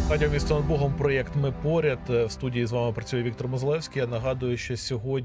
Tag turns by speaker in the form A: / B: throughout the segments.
A: Радіо «Місто над Богом», проєкт «Ми поряд». В студії з вами працює Віктор Мозилевський. Я нагадую, що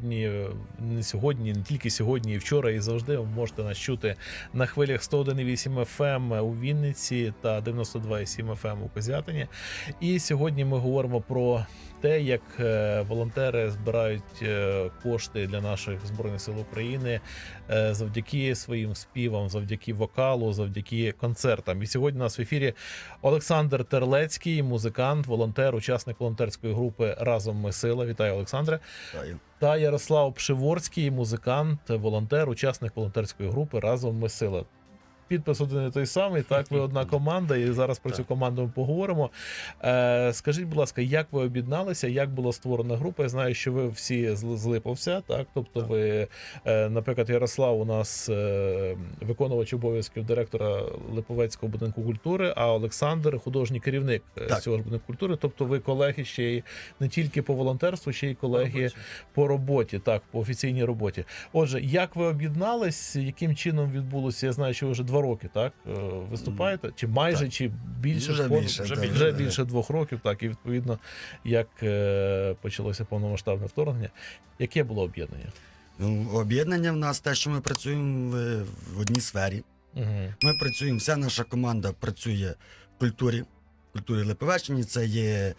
A: не тільки сьогодні, і вчора, і завжди ви можете нас чути на хвилях 101,8 FM у Вінниці та 92,7 FM у Козятині. І сьогодні ми говоримо про те, як волонтери збирають кошти для наших Збройних сил України завдяки своїм співам, завдяки вокалу, завдяки концертам. І сьогодні у нас в ефірі Олександр Терлецький, музикант, волонтер, учасник волонтерської групи «Разом ми сила». Вітаю, Олександре.
B: Вітаю.
A: Та Ярослав Пшиворський, музикант, волонтер, учасник волонтерської групи «Разом ми сила». Підпис один і той самий, так, ви одна команда, і зараз про цю команду ми поговоримо. Скажіть, будь ласка, як ви об'єдналися, як була створена група? Я знаю, що ви всі з Липовця, так? Тобто ви, наприклад, Ярослав у нас виконувач обов'язків директора Липовецького будинку культури, а Олександр художній керівник цього ж будинку культури. Тобто ви колеги ще й не тільки по волонтерству, ще й колеги по роботі, так, по офіційній роботі. Отже, як ви об'єднались, яким чином відбулося? Я знаю, що ви вже 2 роки, так, виступаєте? Чи майже, так, чи більше? Вже більше 2 років, так, і відповідно, як почалося повномасштабне вторгнення. Яке було об'єднання?
B: Ну, об'єднання в нас те, що ми працюємо в одній сфері. Ми працюємо, вся наша команда працює в культурі Липовеччини. Це є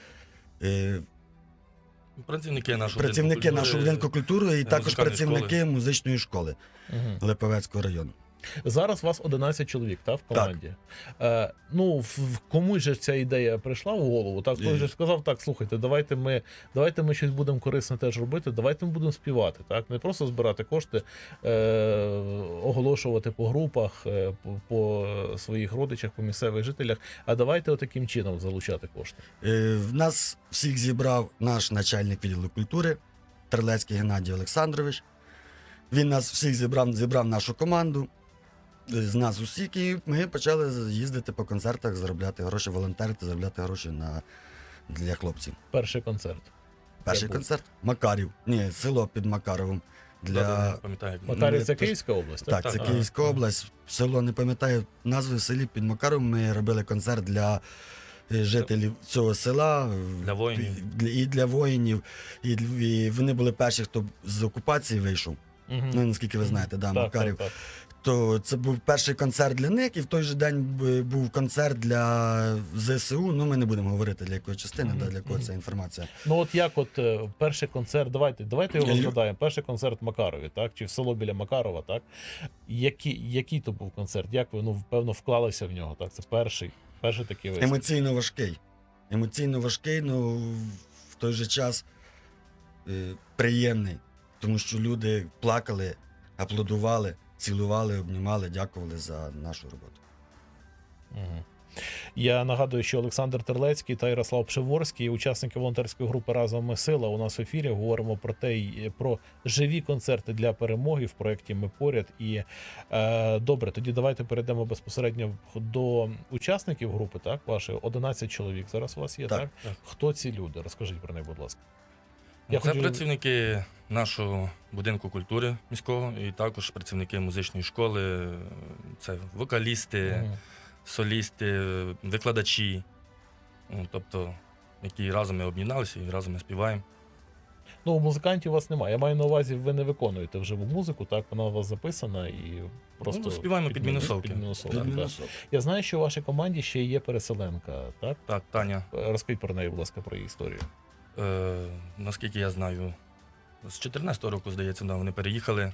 C: працівники
B: нашого будинку культури і також працівники музичної школи Липовецького району.
A: Зараз вас 11 чоловік, так, в команді. Ну, комусь же ця ідея прийшла в голову, так? Хтось же сказав, так, слухайте, давайте ми щось будемо корисне теж робити, давайте ми будемо співати, так? Не просто збирати кошти, оголошувати по групах, по своїх родичах, по місцевих жителях, а давайте отаким чином залучати кошти.
B: В нас всіх зібрав наш начальник відділу культури, Терлецький Геннадій Олександрович. Він нас всіх зібрав нашу команду. З нас усіх, і ми почали їздити по концертах, заробляти гроші, волонтерити, заробляти гроші для хлопців.
A: Перший концерт.
B: Перший концерт? Макарів. Ні, село під Макаровом.
A: Макарів – це Київська область?
B: Так, це Київська область. Село, не пам'ятаю назви, в селі під Макаровом ми робили концерт для жителів цього села.
C: Для воїнів.
B: І для воїнів. І вони були перші, хто з окупації вийшов. Ну, наскільки ви знаєте, да, Макарів. Так. То це був перший концерт для них, і в той же день був концерт для ЗСУ. Ну, ми не будемо говорити, для якої частини, для кого ця інформація.
A: Ну, от як перший концерт, давайте його згадаємо. Перший концерт в Макарові, так? Чи в село біля Макарова, так? Який то був концерт? Як ви, певно, вклалися в нього, так? Це перший такий виступ.
B: Емоційно важкий, але в той же час приємний. Тому що люди плакали, аплодували, цілували, обнімали, дякували за нашу роботу.
A: Я нагадую, що Олександр Терлецький та Ярослав Пшиворський, учасники волонтерської групи «Разом ми сила», у нас в ефірі. Говоримо про живі концерти для перемоги в проєкті «Ми поряд». І добре, тоді давайте перейдемо безпосередньо до учасників групи, так, вашої. 11 чоловік зараз у вас є, так? Хто ці люди? Розкажіть про них, будь ласка.
C: Це працівники нашого будинку культури міського і також працівники музичної школи, це вокалісти, солісти, викладачі, тобто, які разом ми об'єдналися і разом ми співаємо.
A: Ну, музикантів у вас немає. Я маю на увазі, ви не виконуєте вживу музику, так? Вона у вас записана і просто
C: співаємо під мінусовки.
A: Я знаю, що у вашій команді ще є переселенка, так?
C: Так, Таня.
A: Розкажіть про неї, будь ласка, про її історію.
C: Наскільки я знаю, з 14-го року, здається, вони переїхали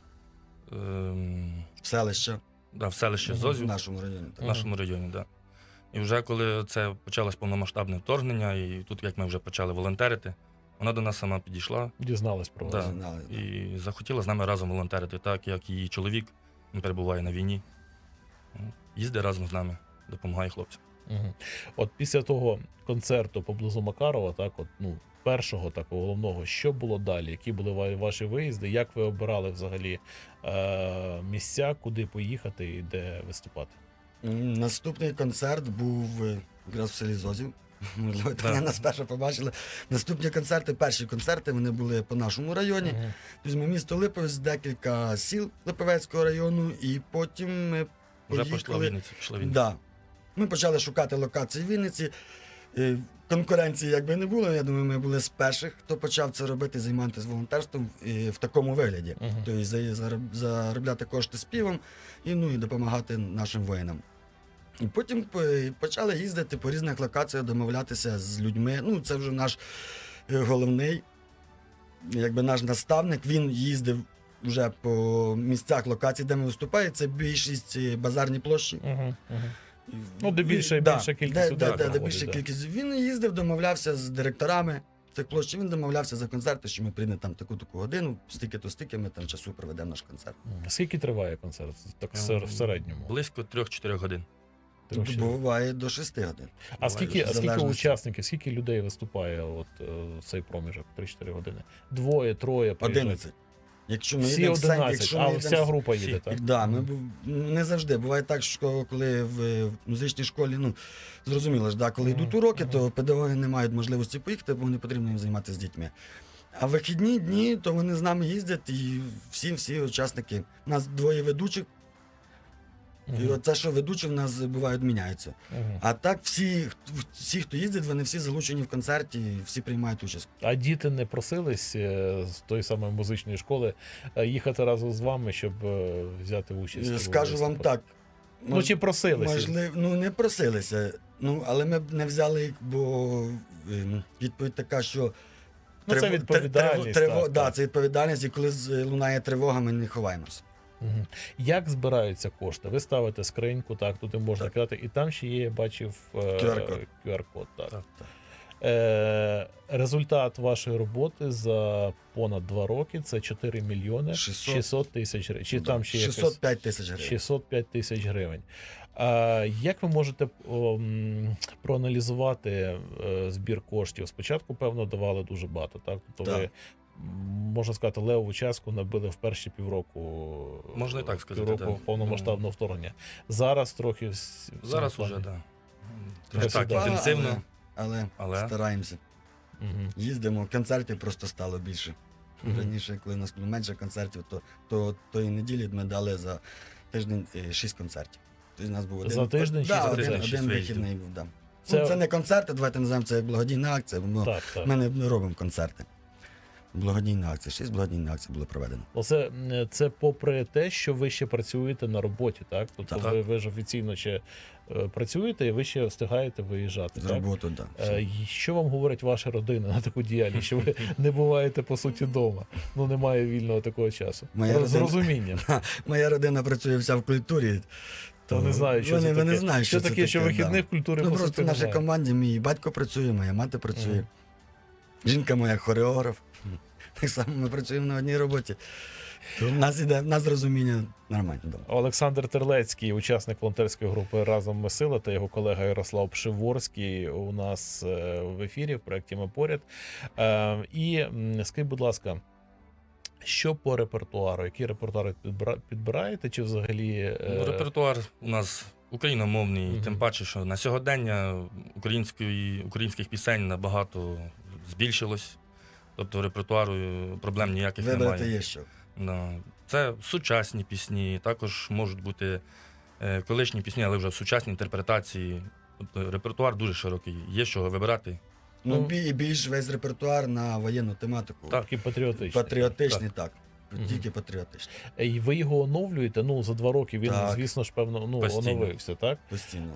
B: в селище.
C: В селище Зозів.
B: В нашому районі.
C: В нашому районі, так. І вже коли це почалось повномасштабне вторгнення, і тут, як ми вже почали волонтерити, вона до нас сама підійшла.
A: Дізналась про вас.
C: І захотіла з нами разом волонтерити, так як її чоловік, він перебуває на війні. Їздить разом з нами, допомагає хлопцям.
A: От після того концерту поблизу Макарова, так, першого такого головного, що було далі? Які були ваші виїзди? Як ви обирали взагалі місця, куди поїхати і де виступати?
B: Наступний концерт був якраз в селі Зозів. Можливо, Таня нас перше побачила. Наступні концерти, перші концерти, вони були по нашому районі. Візьмемо місто Липовець, декілька сіл Липовецького району, і потім ми поїхали.
C: Вже пішла Вінниця.
B: Да. Ми почали шукати локації в Вінниці. конкуренції якби не було. Я думаю, ми були з перших, хто почав це робити, займатися волонтерством в такому вигляді.
A: Мгм.
B: Тобто заробляти кошти співом і, ну, і допомагати нашим воїнам. І потім почали їздити по різних локаціях, домовлятися з людьми. Ну, це вже наш головний, якби наш наставник. Він їздив вже по місцях локацій, де ми виступаємо. Це більшість базарні площі.
A: Мгм, мгм. Ну, де більша кількість людей
B: де
A: проходить,
B: більша
A: да.
B: кількість. Він їздив, домовлявся з директорами цих площ. Він домовлявся за концерти, що ми прийдемо там таку-таку годину, стільки-то стільки ми там часу проведемо наш концерт.
A: Мгм. Скільки триває концерт? Так в середньому.
C: Близько 3-4 годин.
A: Трохи.
B: Буває до 6 годин.
A: А скільки
B: в залежності.
A: учасників, скільки людей виступає от в цей проміжок 3-4 години? Двоє, троє, приїжджають?
B: 11. Якщо ми
A: Всі
B: їдемо в сцені,
A: 11,
B: якщо
A: а
B: ми
A: вся
B: їдемо
A: група
C: всі.
A: їде, так?
B: Да, не завжди. Буває так, що коли в музичній школі, ну, зрозуміло ж, да, коли
A: Мгм,
B: йдуть уроки,
A: мгм.
B: то педагоги не мають можливості поїхати, бо не потрібно їм займатися з дітьми. А вихідні дні, то вони з нами їздять, і всі учасники. У нас двоє ведучих, і
A: Мгм,
B: оце, що ведучі в нас бувають, міняються.
A: мгм.
B: А так всі, хто їздить, вони всі залучені в концерті, всі приймають участь.
A: А діти не просились з тої самої музичної школи їхати разом з вами, щоб взяти участь? у
B: Скажу вам
A: виступах?
B: так.
A: Ну, чи просилися?
B: Можливо, ну не просилися. Ну, але ми б не взяли їх, бо відповідь така, що
A: Ну, це відповідальність, так,
B: да,
A: так.
B: це відповідальність, і коли лунає тривога, ми не ховаємося.
A: Мгм. Як збираються кошти? Ви ставите скриньку, так, туди можна
B: Так.
A: кидати, і там ще є, я бачив
B: QR-код.
A: QR-код, так.
C: Так.
A: Результат вашої роботи за понад 2 роки це 4 мільйони 600 тисяч гривень. Чи там ще якось
B: 605 тисяч гривень.
A: 605 тисяч гривень. Як ви можете проаналізувати збір коштів? Спочатку, певно, давали дуже багато, так? Тобто
B: Так.
A: ви, можна сказати, левову частку набили в перші півроку,
C: Можна і так сказати,
A: півроку
C: так.
A: повномасштабного вторгнення. Зараз трохи
C: Зараз
A: в цьому
C: уже,
A: плані.
C: так. Не так
A: Да.
C: інтенсивно,
B: Але
C: але
B: стараємося.
A: Мгм.
B: Їздимо, концертів просто стало більше.
A: Мгм.
B: Раніше, коли у нас було менше концертів, то тої неділі ми дали за тиждень 6 концертів. Тобто у нас був один,
A: За тиждень
B: да,
A: шість
B: один,
C: концертів?
B: один
C: Виїздів.
B: вихідний був. Да.
A: Це-
B: Це не концерти, давайте називаємо це як благодійна акція, бо
A: Так, так.
B: ми не робимо концерти. Благодійна акція. 6 благодійних акцій було проведено.
A: Оце це попри те, що ви ще працюєте на роботі, так? Тобто
C: Так.
A: ви ж офіційно ще працюєте і ви ще встигаєте виїжджати.
B: З
A: Так?
B: роботу, так. Да.
A: І що вам говорить ваша родина на таку діяльність, що ви не буваєте по суті вдома? Ну немає вільного такого часу.
B: Моя
A: З
B: родина-
A: розумінням.
B: Моя родина працює вся в культурі.
A: То не знаю, що
B: вони,
A: це таке.
B: вони знають,
A: що
B: це
A: таке, що
B: да.
A: вихідних в культурі
B: Ну
A: по
B: просто
A: суті
B: в нашій
A: немає.
B: команді мій батько працює, моя мати працює.
A: Мгм.
B: Жінка моя хореограф. Так само ми працюємо на одній роботі. То в нас розуміння нормально. Да.
A: Олександр Терлецький, учасник волонтерської групи Разом ми сила, та його колега Ярослав Пшиворський у нас в ефірі в проєкті Ми поряд. І скажіть, будь ласка, що по репертуару? Які репертуари підбираєте? Чи взагалі
C: Ну, репертуар у нас україномовний,
A: Мгм.
C: тим паче, що на сьогодення українських пісень набагато збільшилось. Тобто репертуару проблем ніяких
B: Вибрати
C: немає.
B: є що.
C: Да. Це сучасні пісні, також можуть бути колишні пісні, але вже в сучасній інтерпретації. Тобто репертуар дуже широкий, є з чого вибирати.
B: Ну,
A: Ну,
B: і більш весь репертуар на воєнну тематику.
C: Так.
A: Такі патріотичні?
B: Патріотичний, так.
A: Мгм.
B: Тільки патріотичний.
A: І ви його оновлюєте? Ну, за 2 роки він,
B: Так.
A: звісно ж, певно,
C: Постійно.
A: оновився, так?
B: Постійно.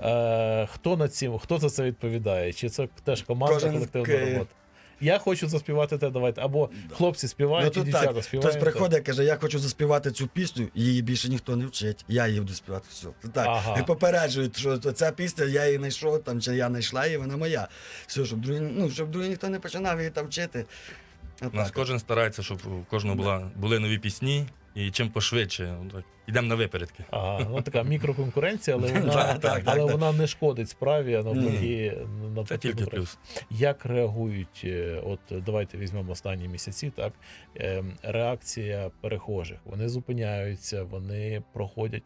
A: Хто за це відповідає? Чи це теж команда,
B: Кожен
A: колективна робота? Я хочу заспівати те, давайте. Або
B: Да.
A: хлопці співають, чи
B: тут
A: дівчата
B: так,
A: співають.
B: хтось приходить і каже, я хочу заспівати цю пісню, її більше ніхто не вчить. Я її буду співати. Все. Так.
A: Ага.
B: І попереджують, що ця пісня, я її знайшов, там, чи я знайшла її, вона моя. Все, щоб другий ніхто не починав її там вчити.
C: У нас кожен старається, щоб у кожного були нові пісні, і чим пошвидше. Так, йдемо на випередки.
A: Ага, ну така мікроконкуренція, але вона,
B: Так,
A: але
B: так.
A: вона не шкодить справі, а навпаки,
C: Це
A: навпаки.
C: тільки
A: добре.
C: плюс.
A: Як реагують, от давайте візьмемо останні місяці, так, реакція перехожих. Вони зупиняються, вони проходять.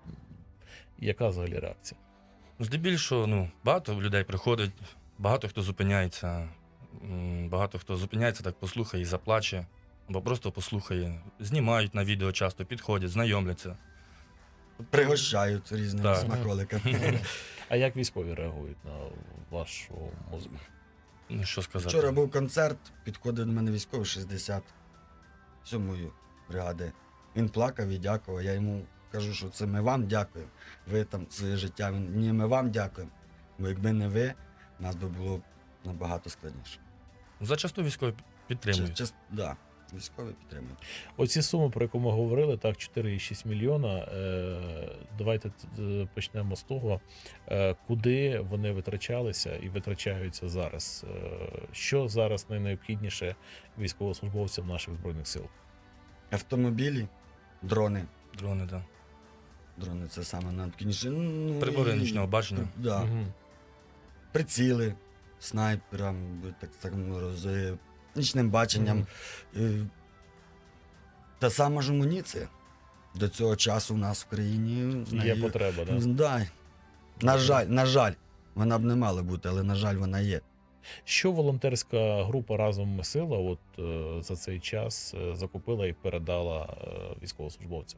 A: Яка взагалі реакція?
C: Здебільшого, багато людей приходить, багато хто зупиняється. Багато хто зупиняється, так послухає і заплаче, або просто послухає. Знімають на відео часто, підходять, знайомляться.
B: Пригощають різними
C: Так.
B: смаколиками.
A: А як військові реагують на вашу музику?
C: Ну, що сказати.
B: Вчора був концерт, підходив до мене військовий 67-ї бригади. Він плакав і дякував. Я йому кажу, що це ми вам дякуємо. Ви там своє життя. Він, ні, ми вам дякуємо. Бо якби не ви, нас би було набагато складніше.
C: Зачасту військові підтримують.
B: Да, військові підтримують.
A: Оці суми, про яку ми говорили, так, 4,6 мільйона. Давайте почнемо з того, куди вони витрачалися і витрачаються зараз. Що зараз найнеобхідніше військовослужбовцям наших Збройних сил?
B: Автомобілі, дрони.
C: Дрони, так.
B: Дрони це саме найneобхідніше. Ну,
C: Прибори нічного бачення.
B: Да.
A: Мгм.
B: Приціли, снайперам, так з нічним баченням.
A: Мгм.
B: Та сама ж амуніція. До цього часу у нас в країні
A: Є потреба, так?
B: Да. На жаль, вона б не мала бути, але на жаль, вона є.
A: Що волонтерська група «Разом ми сила» от за цей час закупила і передала військовослужбовцям?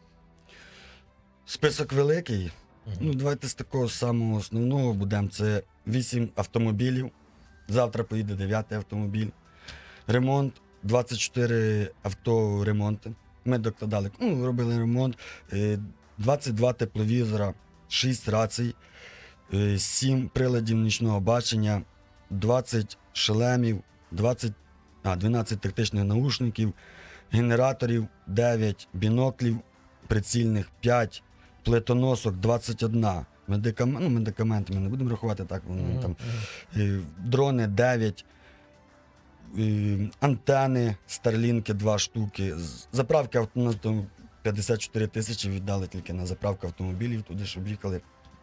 B: Список великий.
A: Мгм.
B: Ну, давайте з такого самого основного будемо. Це 8 автомобілів. Завтра поїде 9-й автомобіль. Ремонт, 24 авторемонти. Ми докладали, робили ремонт. 22 тепловізора, 6 рацій, 7 приладів нічного бачення, 20 шлемів, 12 тактичних наушників, генераторів, 9 біноклів прицільних, 5 плитоносок, 21 медикаменти ми не будемо рахувати так, вони
A: Мгм.
B: там
A: Мгм.
B: дрони 9, антени, старлінки 2 штуки. Заправки у нас там 54 тисячі віддали тільки на заправку автомобілів, туди, щоб їхали.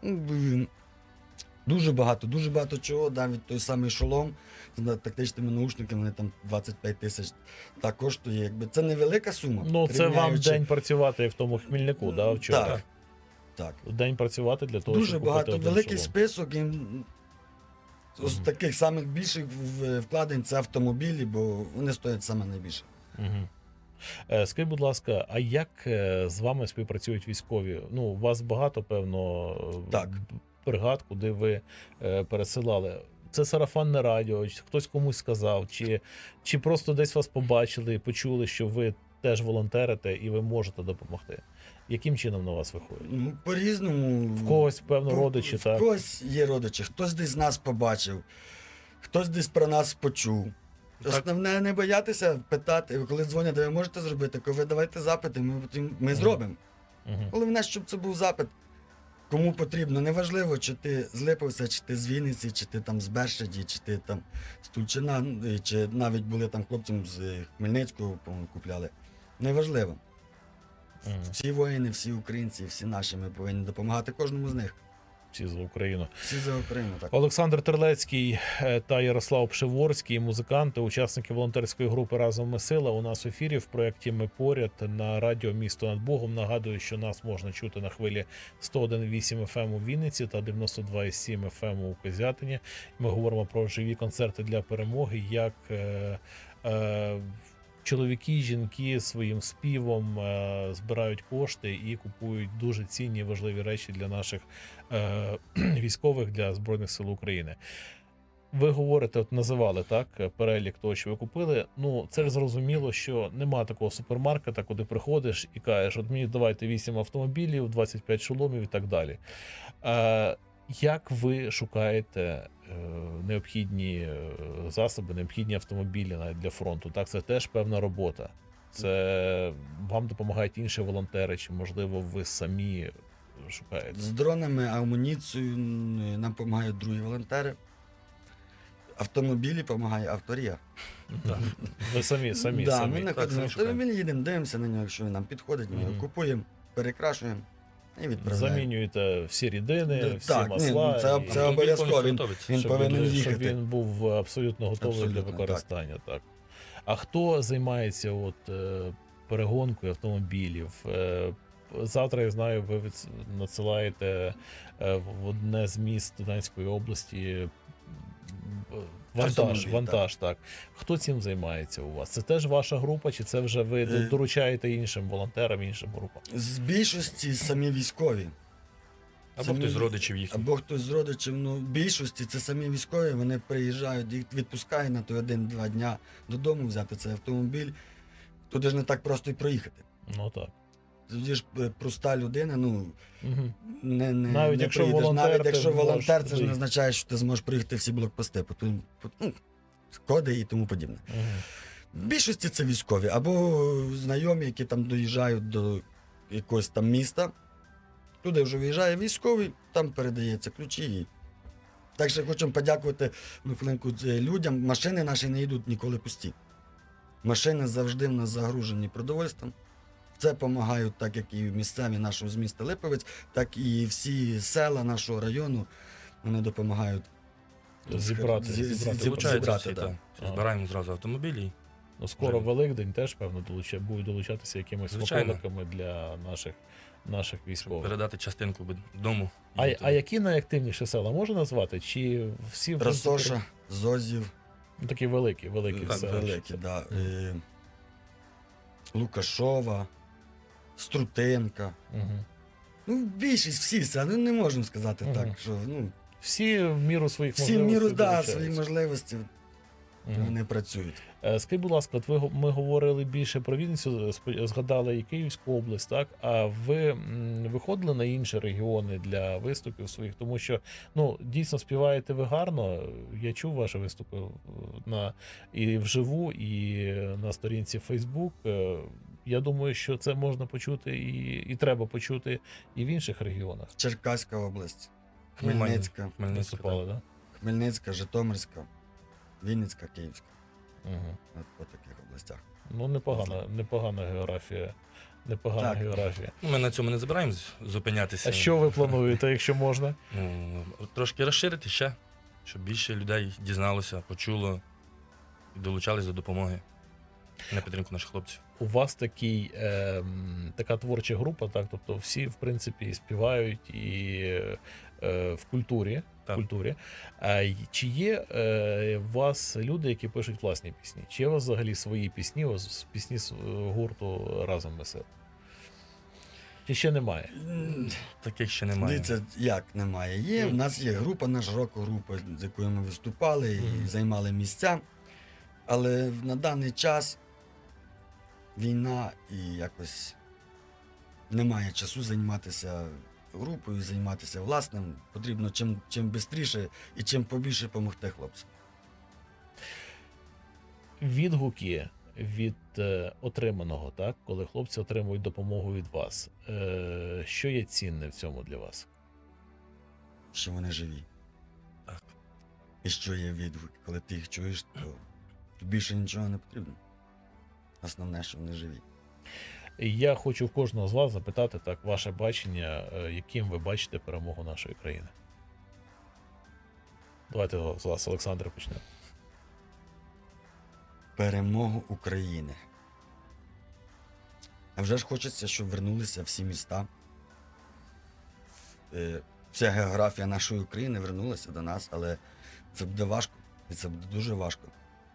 B: Дуже багато чого, навіть той самий шолом з тактичними наушниками, вони там 25 тисяч так коштує. Якби це невелика сума.
A: Ну, це вам
B: порівняючи-
A: день працювати як в тому Хмільнику, да, вчора?
B: Так. Так.
A: День працювати для того,
B: Дуже
A: щоб купити
B: багато,
A: один
B: великий
A: шолом.
B: список. І з
A: Мгм.
B: таких самих більших вкладень це автомобілі, бо вони стоять саме найбільше.
A: Мгм. Скажіть, будь ласка, а як з вами співпрацюють військові? Ну, у вас багато, певно,
B: Так.
A: бригад, куди ви пересилали. Це сарафанне радіо, чи хтось комусь сказав, чи просто десь вас побачили і почули, що ви теж волонтерите і ви можете допомогти? Яким чином на вас виходить?
B: Ну, по-різному.
A: В когось, певно, родичі,
B: В
A: так?
B: когось є родичі, хтось десь нас побачив, хтось десь про нас почув.
C: Так.
B: Основне не боятися питати, коли дзвонять, ви можете зробити, коли ви давайте запити, ми зробимо.
A: Мгм.
B: Головне, щоб це був запит. Кому потрібно, неважливо, чи ти з Липовця, чи ти з Вінниці, чи ти там з Бершаді, чи ти там з Тульчина, чи навіть були там хлопцям з Хмельницького, по-моєму, купляли. Неважливо.
A: Мгм.
B: Всі воїни, всі українці, всі наші, ми повинні допомагати кожному з них.
A: Всі за Україну.
B: Всі за Україну, так.
A: Олександр Терлецький та Ярослав Пшеворський, музиканти, учасники волонтерської групи «Разом ми сила» у нас в ефірі в проєкті «Ми поряд» на радіо «Місто над Богом». Нагадую, що нас можна чути на хвилі 101,8 FM у Вінниці та 92,7 FM у Козятині. Ми говоримо про живі концерти для перемоги, як чоловіки, жінки своїм співом збирають кошти і купують дуже цінні і важливі речі для наших військових, для Збройних сил України. Ви говорите, от називали так перелік того, що ви купили. Ну, це ж зрозуміло, що нема такого супермаркета, куди приходиш і кажеш, от мені давайте 8 автомобілів, 25 шоломів і так далі. Як ви шукаєте необхідні засоби, необхідні автомобілі навіть для фронту? Так, це теж певна робота. Це вам допомагають інші волонтери, чи, можливо, ви самі шукаєте?
B: З дронами, амуніцією нам допомагають другі волонтери. Автомобілі допомагає авторія.
C: Так.
A: Ви самі.
B: Ми
C: самі
B: знаходимо
C: шукаємо.
B: автомобіль, їдемо, дивимося на нього, якщо він нам підходить, ми його
A: Мгм.
B: купуємо, перекрашуємо і відправляємо.
A: Замінюєте всі рідини,
B: Да,
A: всі
B: так,
A: масла.
B: ні, це-
A: і-
B: це обов'язково. Він
A: щоб
B: повинен
A: він, щоб
B: їхати.
A: він був абсолютно готовий
B: Абсолютно,
A: для використання. Так. А хто займається перегонкою автомобілів? Завтра, я знаю, ви надсилаєте в одне з міст Донецької області
B: Автомобіль,
A: вантаж, так. Хто цим займається у вас? Це теж ваша група, чи це вже ви доручаєте іншим волонтерам, іншим групам?
B: З більшості самі військові.
C: Або
B: самі-
C: хтось з родичів їхніх.
B: Або хтось з родичів, ну, в більшості це самі військові, вони приїжджають, їх відпускають на той 1-2 дня додому взяти цей автомобіль. Туди ж не так просто і проїхати.
A: Ну так.
B: Тоді ж проста людина, ну,
A: Угу.
B: не
A: Навіть якщо
B: приїдеш.
A: волонтер,
B: Навіть
A: ти
B: якщо
A: можеш
B: волонтер, це ж не
A: доїхати.
B: означає, що ти зможеш проїхати всі блокпости, ну, коди і тому подібне.
A: Угу.
B: В більшості це військові, або знайомі, які там доїжджають до якогось там міста. Туди вже виїжджає військовий, там передається ключі. Так що хочемо подякувати Михайленку людям. Машини наші не йдуть ніколи пусті. Машини завжди в нас загружені продовольством. Це допомагають, так як і місцеві нашого з міста Липовець, так і всі села нашого району. Вони допомагають
A: Зібрати,
C: Долучаються всі,
B: да.
C: так.
A: А.
C: Збираємо зразу автомобілі.
A: Ну, скоро
C: Вже.
A: Великдень теж, певно, будуть долучатися якимись
C: Звичайно.
A: смаколиками для наших
C: Щоб
A: військових.
C: передати частинку дому.
A: А які найактивніші села можна назвати? Чи всі в принципі,
B: Росоша, Зозів,
A: ну, такі великі
C: Так,
A: села?
B: великі, да. Лукашова, Струтинка.
A: Угу.
B: Ну, більшість всі села, ну не можемо сказати
A: Мгм.
B: так, що ну,
A: Всі в міру своїх
B: всі в міру
A: можливостей
B: свої
A: долучаються.
B: можливості
A: Мгм.
B: вони працюють.
A: Скажіть, будь ласка, от ми говорили більше про Вінницю, згадали і Київську область, так? А ви виходили на інші регіони для виступів своїх? Тому що ну, дійсно співаєте ви гарно. Я чув ваші виступи і вживу, і на сторінці Facebook. Я думаю, що це можна почути і треба почути і в інших регіонах.
B: Черкаська область,
C: Нормально.
B: Хмельницька,
C: Хмельницька,
A: Виступали, так?
B: Хмельницька, Житомирська, Вінницька, Київська.
A: Угу.
B: От по таких областях.
A: Ну, непогана географія. Непогана
B: Так.
A: географія.
C: Ну, ми на цьому не збираємось зупинятися.
A: А що ви плануєте, якщо можна?
C: Ну, трошки розширити ще, щоб більше людей дізналося, почуло і долучались до допомоги на підтримку наших хлопців.
A: У вас така творча група, так? Тобто всі, в принципі, і співають і в культурі.
C: Так.
A: Чи є у вас люди, які пишуть власні пісні? Чи є у вас взагалі свої пісні, ось пісні гурту «Разом ми сила»? Чи ще немає?
C: Таких ще немає.
B: Дивіться, як немає. Є. У нас є група, наша рок-група, з якою ми виступали і
A: Мгм.
B: займали місця. Але на даний час війна і якось немає часу займатися групою, займатися власним. Потрібно чим швидше і чим побільше допомогти хлопцям.
A: Відгуки від отриманого, так? Коли хлопці отримують допомогу від вас. Що є цінне в цьому для вас?
B: Що вони живі.
C: Так.
B: І що є відгук. Коли ти їх чуєш, то більше нічого не потрібно. Основне, що вони живі.
A: Я хочу в кожного з вас запитати так, ваше бачення, яким ви бачите перемогу нашої країни. Давайте з вас, Олександр, почнемо.
B: Перемогу України. А вже ж хочеться, щоб вернулися всі міста. Вся географія нашої України вернулася до нас, але це буде важко. І це буде дуже важко.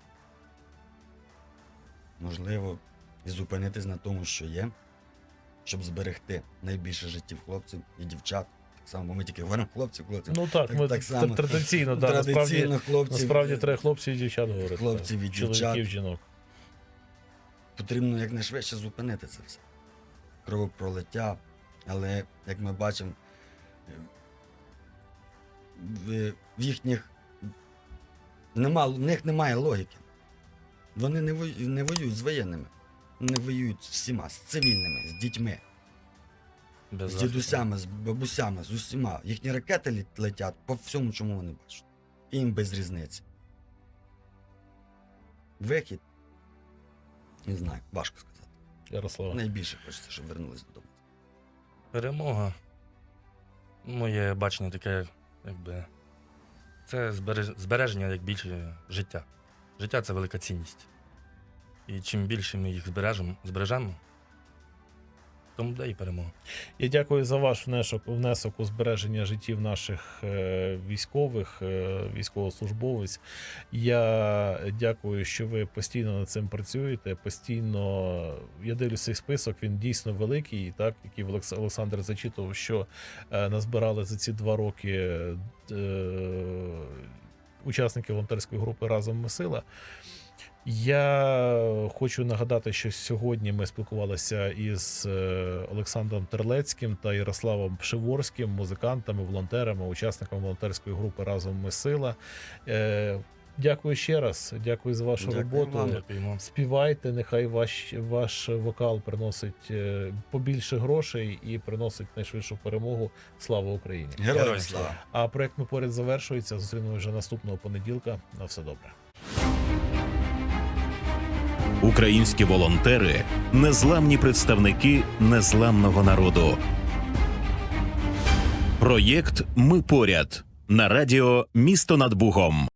B: Можливо, і зупинитись на тому, що є, щоб зберегти найбільше життів хлопців і дівчат. Так само, бо ми тільки говоримо хлопців.
A: Ну так,
B: Так-
A: ми
B: так само.
A: традиційно, да,
B: Традиційно хлопців,
A: насправді треба хлопців і дівчат говорити.
B: хлопців і дівчат.
A: Чоловіків, жінок.
B: Потрібно якнайшвидше зупинити це все. Кровопролиття, але, як ми бачимо, в їхніх в них немає логіки. Вони не воюють з воєнними. Вони воюють з всіма, з цивільними, з дітьми,
C: Без
B: з
C: захисту.
B: дідусями, з бабусями, з усіма. Їхні ракети летять по всьому, чому вони бачать. І їм без різниці. Вихід. Не знаю, важко сказати.
A: Ярослава.
B: Найбільше хочеться, щоб вернулись додому.
C: Перемога. Моє бачення таке, якби. Це збереження як більше життя. Життя це велика цінність. І чим більше ми їх збережемо, тому буде і перемога.
A: Я дякую за ваш внесок у збереження життів наших військових, військовослужбовець. Я дякую, що ви постійно над цим працюєте. Постійно, я дивлюся цей список, він дійсно великий, так, який Олександр зачитував, що назбирали за ці 2 роки учасники волонтерської групи «Разом ми сила». Я хочу нагадати, що сьогодні ми спілкувалися із Олександром Терлецьким та Ярославом Пшиворським, музикантами, волонтерами, учасниками волонтерської групи «Разом ми сила». Дякую ще раз, дякую за вашу
B: Дякую
A: роботу.
B: вам.
C: Дякуємо.
A: Співайте, нехай ваш вокал приносить побільше грошей і приносить найшвидшу перемогу. Слава Україні!
B: Героям
C: Героям
B: слава!
A: А проект «Ми поряд» завершується. Зустрінемося вже наступного понеділка. На все добре.
D: Українські волонтери – незламні представники незламного народу. Проєкт «Ми поряд» на радіо «Місто над Бугом».